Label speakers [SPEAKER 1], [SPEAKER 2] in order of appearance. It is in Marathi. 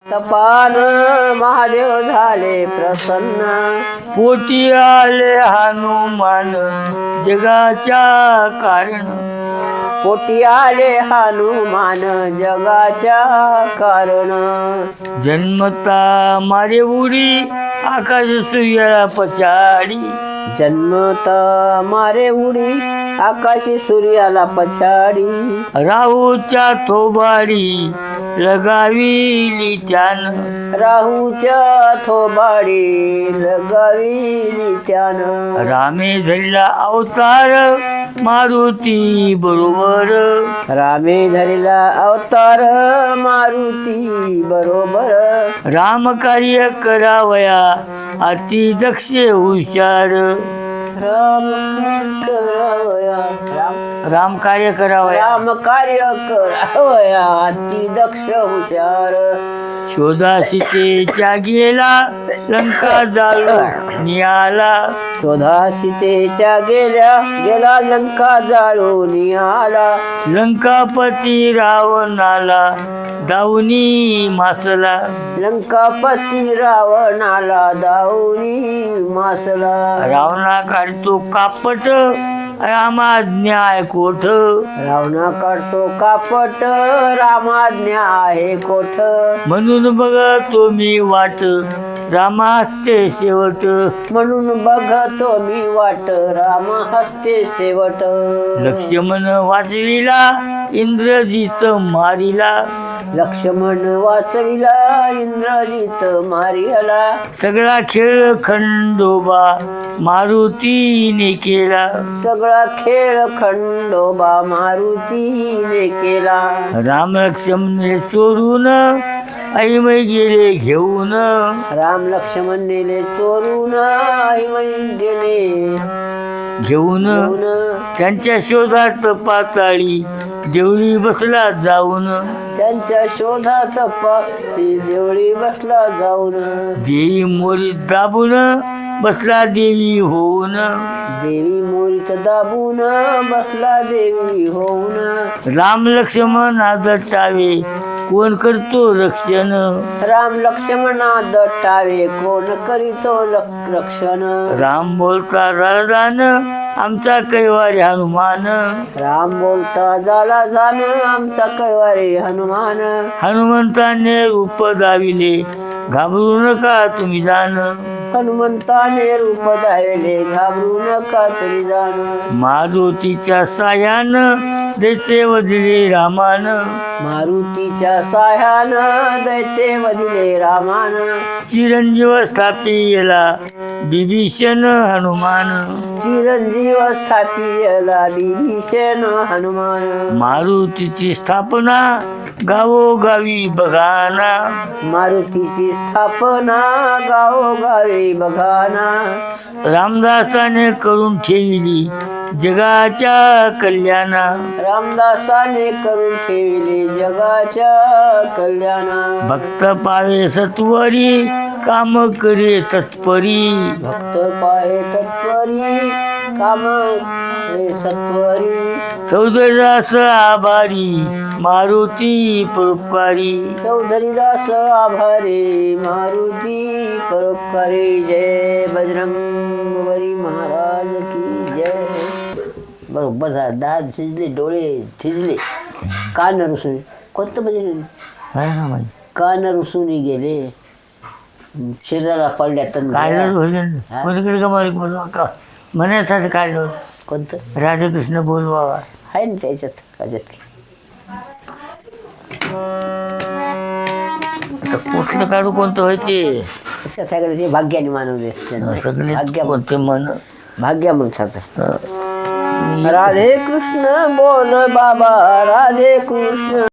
[SPEAKER 1] तपान महादेव झाले प्रसन्न,
[SPEAKER 2] पोटी आले हनुमान जगाच्या कारण.
[SPEAKER 1] पोटी आले हनुमान जगाच्या कारण.
[SPEAKER 2] जन्मता मारे उडी आकाश सूर्याला पछाडी.
[SPEAKER 1] जन्मता मारे उडी आकाशी सूर्याला पछाडी.
[SPEAKER 2] राहूच्या थोबाडी लगाविली त्यानं.
[SPEAKER 1] राहूच्या थोबाडी लगाविली त्यानं.
[SPEAKER 2] रामे धरला अवतार मारुती बरोबर.
[SPEAKER 1] रामे धरला अवतार मारुती बरोबर.
[SPEAKER 2] राम कार्य करावया अति दक्ष हुशार.
[SPEAKER 1] राम करावया
[SPEAKER 2] राम कार्य करावया
[SPEAKER 1] राम कार्य करावया अति दक्ष हुशार.
[SPEAKER 2] शोधा सीतेच्या गेला लंका जाळून नियाला.
[SPEAKER 1] शोधा सीतेच्या गेला लंका जाळून आला.
[SPEAKER 2] लंकापती रावणाला दाऊनी मासला.
[SPEAKER 1] लंकापती रावणाला दाऊनी मासला.
[SPEAKER 2] रावणा काढतो कापट रामाज्ञा आहे कोठ.
[SPEAKER 1] रावणा काढतो कापट रामाज्ञा आहे कोठ.
[SPEAKER 2] म्हणून बघतो मी वाट रामा हस्ते शेवट.
[SPEAKER 1] म्हणून बघतो मी वाट रामा हस्ते शेवट.
[SPEAKER 2] लक्ष्मण वाचविला इंद्रजित मारिला.
[SPEAKER 1] लक्ष्मण वाचविला इंद्रजित मारियाला.
[SPEAKER 2] सगळा खेळ खंडोबा मारुतीने केला.
[SPEAKER 1] सगळा खेळ खंडोबा मारुतीने केला.
[SPEAKER 2] राम लक्ष्मण चोरून ऐमै गेले घेऊन.
[SPEAKER 1] राम लक्ष्मण नेले चोरून ऐमै गेले
[SPEAKER 2] घेऊन त्यांच्या शोधात पाताळी देवळी बसला जाऊन.
[SPEAKER 1] त्यांच्या शोधात पापी देवळी बसला जाऊन.
[SPEAKER 2] देवी मोरी दाबून बसला देवी होऊन.
[SPEAKER 1] देवी मोरीत दाबून बसला देवी होऊन.
[SPEAKER 2] राम लक्ष्मण दट्टावे कोण करतो रक्षण.
[SPEAKER 1] राम लक्ष्मणा दट्टावे कोण करीतो रक्षण.
[SPEAKER 2] राम बोलता राजान आमचा कैवारी हनुमान.
[SPEAKER 1] राम बोलता झाला जाण आमचा कैवारी हनुमान.
[SPEAKER 2] हनुमंताने रूप दाविले घाबरू नका तुम्ही जाण.
[SPEAKER 1] हनुमंताने रूप दाविले घाबरू नका तुम्ही जाण.
[SPEAKER 2] मारुतीच्या सायान दैत्य वदिले रामान.
[SPEAKER 1] मारुतीच्या साह्यानं दैत्य वदिले रामान.
[SPEAKER 2] चिरंजीव स्थापिला बिभीषण हनुमान.
[SPEAKER 1] चिरंजीव स्थापिला बिभीषण हनुमान.
[SPEAKER 2] मारुतीची स्थापना गावोगावी बघाना.
[SPEAKER 1] मारुतीची स्थापना गावोगावी बघाना.
[SPEAKER 2] रामदासाने करून ठेविली जगाच्या कल्याणा.
[SPEAKER 1] रामदासाने करून ठेवले जगाच्या कल्याणा.
[SPEAKER 2] भक्त पावे सत्वरी काम करे तत्परी.
[SPEAKER 1] भक्त पाहे तत्परी काम करे सत्वरी.
[SPEAKER 2] चौधरीदास आभारी मारुती परोपकारी.
[SPEAKER 1] चौधरीदास आभारी मारुती परोपकारी. जय बजरंगबली महाराज की जय. बरोबर झालं. दात शिजले डोळे शिजले कान रुसून. कोणतं म्हणजे कान रुसून गेले शरीराला पडल्या
[SPEAKER 2] म्हणायसाठी काढलं.
[SPEAKER 1] कोणतं
[SPEAKER 2] राधाकृष्ण बोलवावा
[SPEAKER 1] आहे ना त्याच्यात त्याच्यात.
[SPEAKER 2] आता कुठलं काढू कोणतं व्हायचे
[SPEAKER 1] सगळे ते भाग्याने मानवले.
[SPEAKER 2] सगळे
[SPEAKER 1] भाग्या
[SPEAKER 2] कोणते मन
[SPEAKER 1] भाग्या म्हणतात. राधे कृष्ण बोल बाबा राधे कृष्ण.